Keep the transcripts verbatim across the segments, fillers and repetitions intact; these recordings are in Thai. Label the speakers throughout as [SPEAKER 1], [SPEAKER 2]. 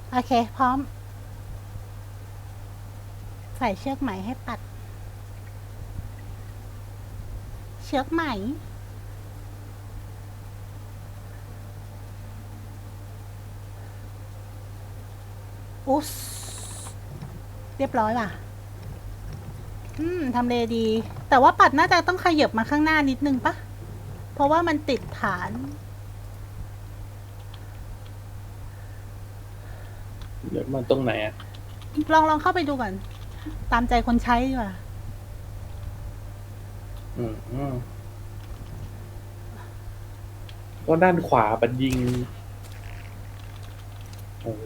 [SPEAKER 1] โอเคพร้อมใส่เชือกไหมให้ปัดเชือกไหมอุ๊สเรียบร้อยว่ะอืมทำเลดี แต่ว่าปัดน่าจะต้องขยับมาข้างหน้านิดนึงปะเพราะว่ามันติดฐาน
[SPEAKER 2] เดี๋ยวมันตรงไหนอ่ะ
[SPEAKER 1] ลองลองเข้าไปดูก่อน ตามใจคนใช้ดีกว่า
[SPEAKER 2] อืมอืมก็ด้านขวาปัดยิง โอ้โห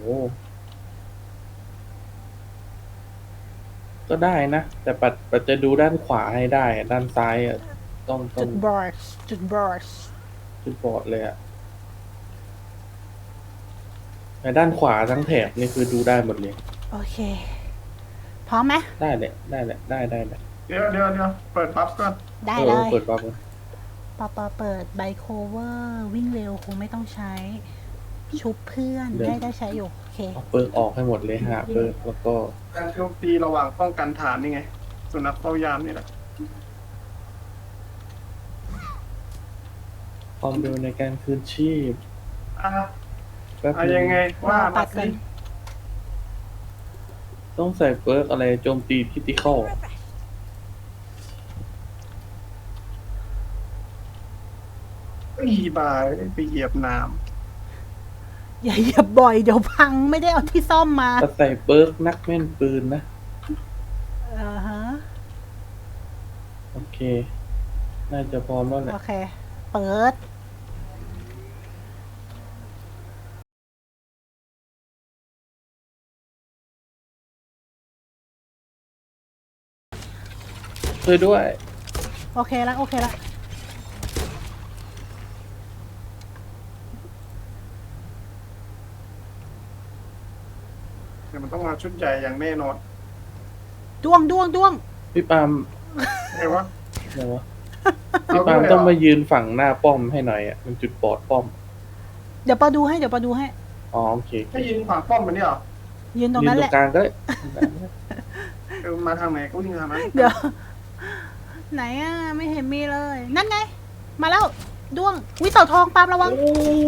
[SPEAKER 2] ก็ได้นะ แต่ปัดปัดจะดูด้านขวาให้ได้อะด้านซ้ายอ่ะต้องต้
[SPEAKER 1] จุ
[SPEAKER 2] อง
[SPEAKER 1] ดบอร์ชจุดบอร์ช
[SPEAKER 2] จุดบอดเลยอ่ะแต่ด้านขวาทั้งแถบนี่คือดูได้หมดเลย
[SPEAKER 1] โอเค พร้อมไหม
[SPEAKER 2] ได้แหละได้แหละได้ได้ได้
[SPEAKER 3] เดี๋ยวเดี๋ยวเดี๋ยวเปิดปั๊บก่อน
[SPEAKER 1] ได้
[SPEAKER 2] เออ
[SPEAKER 1] เล
[SPEAKER 2] เออย เปิดปั๊บเลย
[SPEAKER 1] ปอปอเปิดไบโคเวอร์วิ่งเร็วคงไม่ต้องใช้ ชุบเพื่อนได้ได้ใช้อยู่ โอเค
[SPEAKER 2] เอาเปิร์กออกให้หมดเลยฮะเปิร์กแล้วก็
[SPEAKER 3] การโจมตีระหว่างป้องกันฐานนี่ไงสุนัขเฝ้ายามนี่แหละ
[SPEAKER 2] ความเร็วในการคืนชีพ
[SPEAKER 3] อ่ะ
[SPEAKER 2] แป๊บ
[SPEAKER 3] อะ
[SPEAKER 2] นึ
[SPEAKER 3] ยังไงว่า
[SPEAKER 1] ปั
[SPEAKER 3] มา
[SPEAKER 1] ดกั
[SPEAKER 3] สิ
[SPEAKER 1] น
[SPEAKER 2] ต้องใส่เปิร์กอะไรโจมตีคริติคอล
[SPEAKER 3] อีบายไปเหยียบน้
[SPEAKER 1] อย่าเหยียบบ่อยเดี๋ยวพังไม่ได้เอาที่ซ่อมมา
[SPEAKER 2] ถ้าใส่เปิร์กนักแม่นปืนนะ
[SPEAKER 1] อ่าฮะ
[SPEAKER 2] โอเค น่าจะพร้อมแล้วแหละ
[SPEAKER 1] โอเค เปิด
[SPEAKER 2] ช่วยด้วย
[SPEAKER 1] โอเคแล้วโอเคแล้ว
[SPEAKER 3] ำเดี๋ยวมันต้องมาชุดใหญ่อย่างแน่นอน
[SPEAKER 1] ด้วงด้วงด้วง
[SPEAKER 2] พี่ปาล์ม
[SPEAKER 3] ไงวะ
[SPEAKER 2] อะไรวะ
[SPEAKER 3] เอ
[SPEAKER 2] พี่ปาล์ม
[SPEAKER 3] ด้วยเหร
[SPEAKER 2] ต้องมายืนฝั่งหน้าป้อมให้หน่อยอ่ะ มันจุดบอดป้อม
[SPEAKER 1] เดี๋ยวปอดูให้เดี๋ยวปอดูให้
[SPEAKER 2] อ๋อโอเคโอเค
[SPEAKER 3] ให้ยิงขวางป้อมมันนี่เหรอ
[SPEAKER 1] ยืนตรง
[SPEAKER 2] ยืน
[SPEAKER 1] นั้น
[SPEAKER 2] ตร
[SPEAKER 1] แหละ
[SPEAKER 2] งกลางก็ได้
[SPEAKER 3] เออมาทางไหนก็วิ่งทางนั้น
[SPEAKER 1] เดี๋ยว ไหนอ่ะ ไม่เห็นมีเลย นั่นไง มาแล้ว ด้วงวิเต่าทองปาล์มระวัง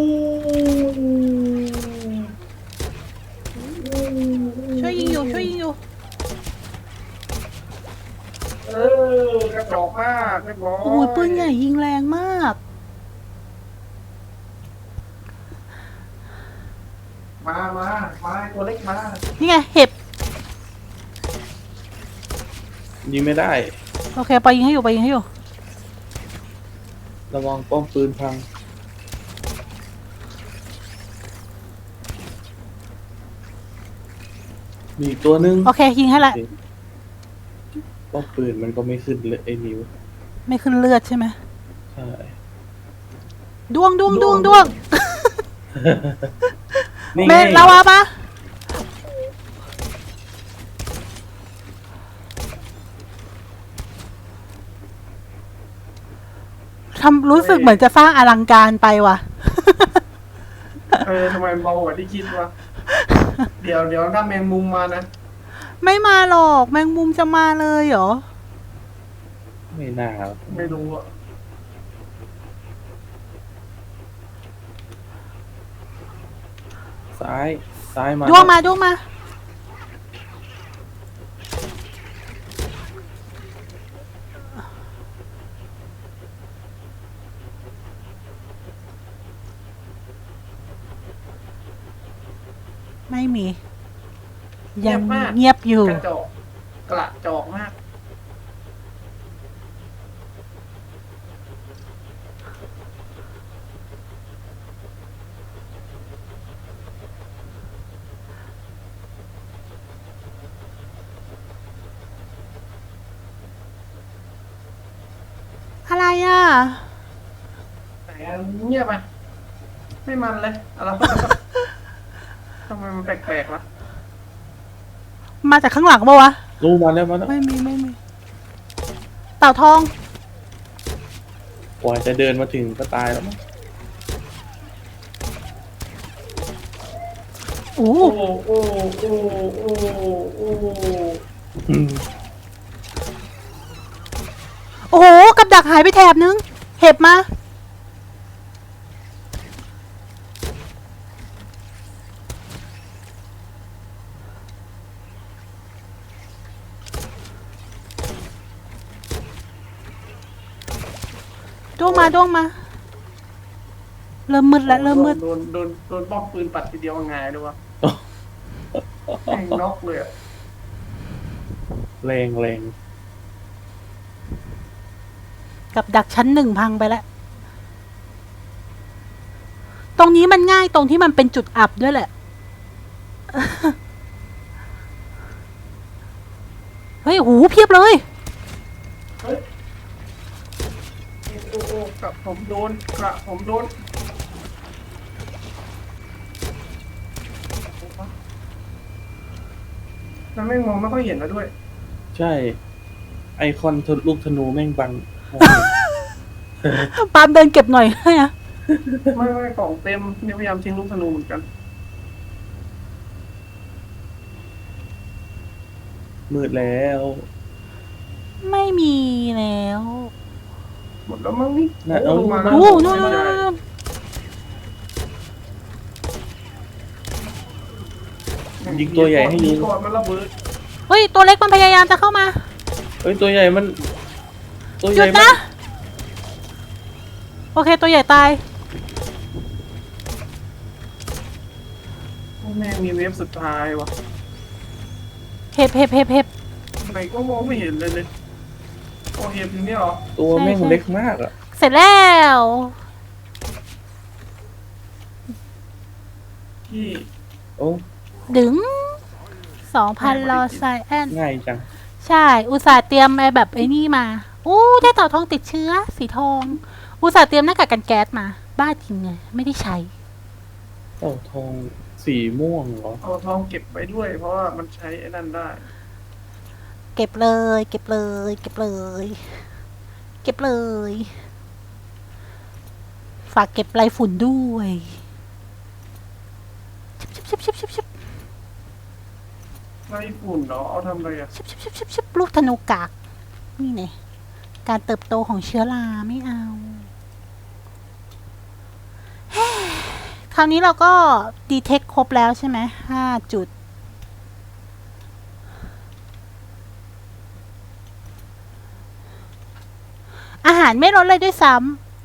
[SPEAKER 1] ช่วยยิงอยู่ ช่วยยิงอยู่
[SPEAKER 3] เออกระจอกมากเรียบร้อย
[SPEAKER 1] โอ้ยปืนใหญ่ยิงแรงมาก
[SPEAKER 3] มามามาตัวเล็กมา
[SPEAKER 1] นี่ไง เห็บ
[SPEAKER 2] ยิงไม่ได้
[SPEAKER 1] โอเคปอยิงให้อยู่ปอยิงให้อยู่
[SPEAKER 2] ระวังป้อมปืนพัง มีอีกตัวหนึง
[SPEAKER 1] โอเค ยิงให้ละ
[SPEAKER 2] ป้อมปืนมันก็ไม่ขึ้นเลยไอ้นิ้ว
[SPEAKER 1] ไม่ขึ้นเลือดใช่ไหม
[SPEAKER 2] ใช่
[SPEAKER 1] ด้วงด้วงด้วงด้วง
[SPEAKER 2] นี่
[SPEAKER 1] เม
[SPEAKER 2] ไง
[SPEAKER 1] นลาวาปะทำรู้สึกเหมือนจะสร้างอลังการไปว่ะ
[SPEAKER 3] เออทำไมเบากว่าที่คิดวะเดี๋ยวเดี๋ยวถ้าแมงมุมมานะ
[SPEAKER 1] ไม่มาหรอกแมงมุมจะมาเลยเหรอ
[SPEAKER 2] ไม่น่าครับ
[SPEAKER 3] ไม่รู้อ่ะ
[SPEAKER 2] ซ้าย ซ้ายมา
[SPEAKER 1] ด้วงมาด้วงมา ไม่มี ยังเงียบอยู่
[SPEAKER 3] กระจอกกระจอกมาก
[SPEAKER 1] อะไรอ่ะ
[SPEAKER 3] แต่เงียบอ่ะไม่มันเลยอะไร ทำไมมันแปลกๆวะ
[SPEAKER 1] มาจากข้างหลังปะวะ
[SPEAKER 2] รู้มาแล้วมาแล้ว
[SPEAKER 1] ไม่มีไม่มี เต่าทอง
[SPEAKER 2] กว่าจะเดินมาถึงก็ตายแล้วมั้ง
[SPEAKER 1] โอ้
[SPEAKER 3] โอ้โอ้โอ้โอ้โอ้
[SPEAKER 2] อืม
[SPEAKER 1] โอ้โหกับดักหายไปแถบนึง เห็บมาด้วงมาด้วงมา เริ่มมืดแล้วเริ่มมืด
[SPEAKER 3] โดนโดนโดนป้อมปืนปัดทีเดียวง่ายด้วยวะแม่งน็อกเลยอะ
[SPEAKER 2] แรงแรง
[SPEAKER 1] กับดักชั้นหนึ่งพังไปแล้ว ตรงนี้มันง่ายตรงที่มันเป็นจุดอับด้วยแหละ เฮ้ยหูเพียบเลย
[SPEAKER 3] เฮ้ยโอ้โอ้กระผมโดนกระผมโดนแล้วแม่งมองไม่ค่อยเห็นแล้วด้วย
[SPEAKER 2] ใช่ ไอคอนทะลูกธนูแม่งบัง
[SPEAKER 1] ปาล์มเดินเก็บหน่อย ให้นะ
[SPEAKER 3] ไม่ไม่กล่องเต็มเนี่ยพยายามทิ้งลูกธนูเหมือนกัน
[SPEAKER 2] มืดแล้ว
[SPEAKER 1] ไม่มีแล้ว
[SPEAKER 3] หมดแล้วมั้งนี่
[SPEAKER 2] น่ะเอา
[SPEAKER 3] ลงมาแล้ว
[SPEAKER 1] โอ้โน่นโน่น
[SPEAKER 3] ไม่
[SPEAKER 1] โน่น
[SPEAKER 3] ได้
[SPEAKER 1] โน่นโน่น
[SPEAKER 2] ยิงตัวใหญ่ให้ยิง
[SPEAKER 3] ก่อนมันระเบิด
[SPEAKER 1] เฮ้ย ตัวเล็กมันพยายามจะเข้ามา
[SPEAKER 2] เอ้ยตัวใหญ่มัน ตัว
[SPEAKER 1] ห
[SPEAKER 2] ให
[SPEAKER 1] ยุ
[SPEAKER 2] ญ่
[SPEAKER 1] ด
[SPEAKER 2] มั
[SPEAKER 1] นะ
[SPEAKER 2] น
[SPEAKER 1] โอเค ตัวใหญ่ตาย
[SPEAKER 3] แม่งมีเวฟสุดท้ายวะ
[SPEAKER 1] เห็บเห็บเห็บเห็บ
[SPEAKER 3] ทำไมก็มองไม่เห็นเลยเลยโอ้เห็บอย่างนี้เหรอ
[SPEAKER 2] ตัวแม่ง
[SPEAKER 1] ใช่ใช่
[SPEAKER 2] เล็กมากอ่ะ
[SPEAKER 1] เสร็จแล้ว
[SPEAKER 3] พี่
[SPEAKER 2] โอ้
[SPEAKER 1] ดึงสองพันรอไซแอน
[SPEAKER 2] ง่ายจัง
[SPEAKER 1] ใช่ อุตส่าห์เตรียมไอ้แบบไอ้นี่มาอู้ได้เต่าทองติดเชื้อ สีทอง อุตส่าห์เตรียมหน้ากากกันแก๊สมา บ้าจริงเลยไม่ได้ใช้
[SPEAKER 2] เต่าทองสีม่วงเหรอ
[SPEAKER 3] เอาทองเก็บไว้ด้วย เพราะว่ามันใช้ไอ้นั่นได้
[SPEAKER 1] เก็บเลย เก็บเลย เก็บเลย เก็บเลย ฝากเก็บไรฝุ่นด้วยชิบชิบชิบชิบชิบ
[SPEAKER 3] ไล่ฝุ่นเหรอเอาทำอะไรอ่ะ
[SPEAKER 1] ชิบชิบชิบชิบชิบลูกธนูกาก นี่ไงการเติบโตของเชื้อราไม่เอา คราวนี้เราก็ดีเทคครบแล้วใช่ไหมห้าจุด อาหารไม่ลดเลยด้วยซ้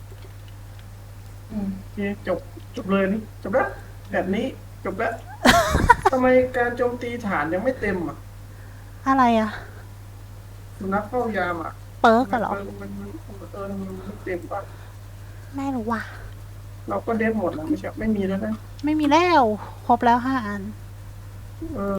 [SPEAKER 3] อืมโอเคจบจบเลยนี่จบแล้วแบบนี้จบแล้ว ทำไมการโจมตีฐานยังไม่เต็มอ่ะ
[SPEAKER 1] ำอะไรอะ
[SPEAKER 3] สุนัขเฝ้ายามอ่ะ
[SPEAKER 1] เปิร์กอะเหรอ
[SPEAKER 3] มันมันมันเออมันไม่เต็มป่ะ
[SPEAKER 1] ไม่รู้ว่ะ
[SPEAKER 3] เราก็เด็ดหมดแล้วไม่ใช่ไม่มีแล้วนะ
[SPEAKER 1] ไม่มีแล้ว ครบแล้วห้าอัน
[SPEAKER 3] เออ